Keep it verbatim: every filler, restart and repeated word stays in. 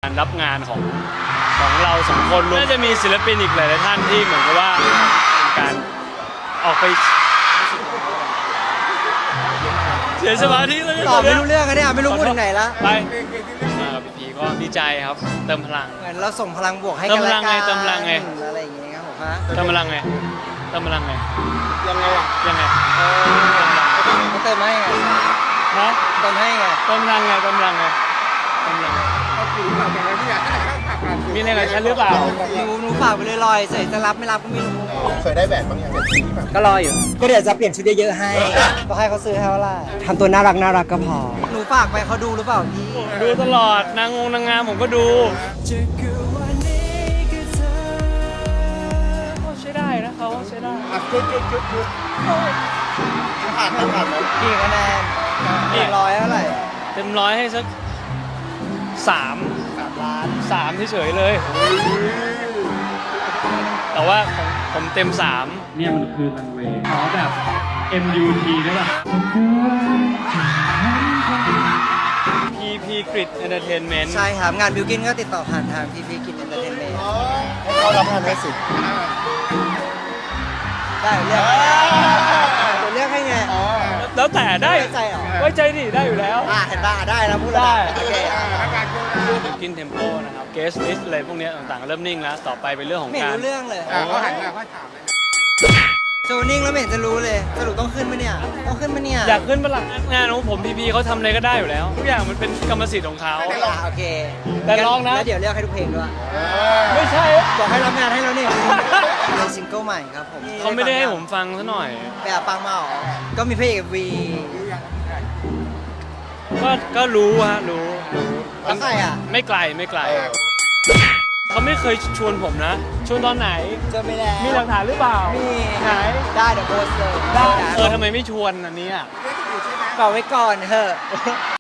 การรับงานของของเราสองคนน่าจะมีศิลปินอีกหลายๆท่านที่เหมือนกับว่าเป็นการออกไปเสียสมาธิแล้วเนี่ยตอบไม่รู้เรื่องกันเนี่ยไม่รู้พูดถึงไหนละไปมากับพี่พีก็ดีใจครับเติมพลังเหมือนเราส่งพลังบวกให้เติกัมนพและลังกัไงนเติมพลังไงอะไรอย่างเงี้ยครับผมฮะเติมพลังไงเติมพลังไงยังไงอ่ะยังไงเขาเติมให้ไงนะเติมให้ไงเติมพลังไงเติมพลังไงเติมพลังไงเขาผิวแบบอย่างนั้นเนี่ยมีอะไรกับฉันหรือเปล่าหนูหนูฝากไปเลยลอยๆใส่จะรับไม่รับก็ไม่รู้เคยได้แหวนบางอย่างเป็นสีแบบก็รออยู่ ก็เดี๋ยวจะเปลี่ยนชุดเยอะๆให้ ก็ให้เขาซื้อให้ว่าล่ะทำตัวน่ารักน่ารักก็พอ หนูฝากไปเขาดูหรือเปล่าพี่ดูตลอดนางงนางงามผมก็ดูใช้ได้นะเขาใช้ได้อ่ะชุดชุดชุดชุดผ่านผ่านผ่านไหมกี่คะแนนกี่ร้อยเท่าไหร่เต็มร้อยให้สักสามสามล้านสามเฉยๆเลย แต่ว่าผมผมเต็มสามเนี่ยมันคือรันเวย์ขอแบบ เอ็ม ยู ที ได้ป่ะ พี พี Grid Entertainment ใช่ครับ งานบิวกินก็ติดต่อผ่านทางพีพีกิจเอนเตอร์เทนเมนต์ให้เขารับงานได้สิได้เลือกเดี๋ยวเลือกให้ไงแล้วแต่ได้ไว้ใจเหรอไว้ใจดิได้อยู่แล้วอ่าเห็นป่ะได้แล้วพูดแล้วได้โอเคอ่ะกินเทมโปนะครับเกสลิสอะไรพวกเนี้ยต่างๆ เริ่มนิ่งแล้ว ต่อไปเป็นเรื่องของไม่เห็นการรู้เรื่องเลยอ่าเขาหันมาเขาถามเลยโจนิ่งแล้วไม่เห็นจะรู้เลยสรุปต้องขึ้นไหมเนี่ยต้องขึ้นไหมเนี่ยอยากขึ้นมาหลังงานของผมพีพีเขาทำอะไรก็ได้อยู่แล้ว ทุกอย่างมันเป็นกรรมสิทธิ์ของเขาอ่าโอเคแต่ลองนะแล้วเดี๋ยวเลือกให้ทุกเพลงด้วยไม่ใช่บอกให้รับงานให้แล้วนี่เป็นซิงเกิลใหม่ครับผมเขาไม่ได้ให้ผมฟังซะหน่อยแบบฟังมาเหรอก็มีเพลงวีก็ก็รู้ฮะรู้รู้แล้วใครอ่ะไม่ไกลไม่ไกล เขาไม่เคยชวนผมนะ ชวนตอนไหนเจอไม่แล้วมีหลักฐานหรือเปล่ามีไหนได้เดี๋ยวโพสต์เลยได้นะเออทำไมไม่ชวนอันนี้อ่ะฝากไว้ก่อนเถอะ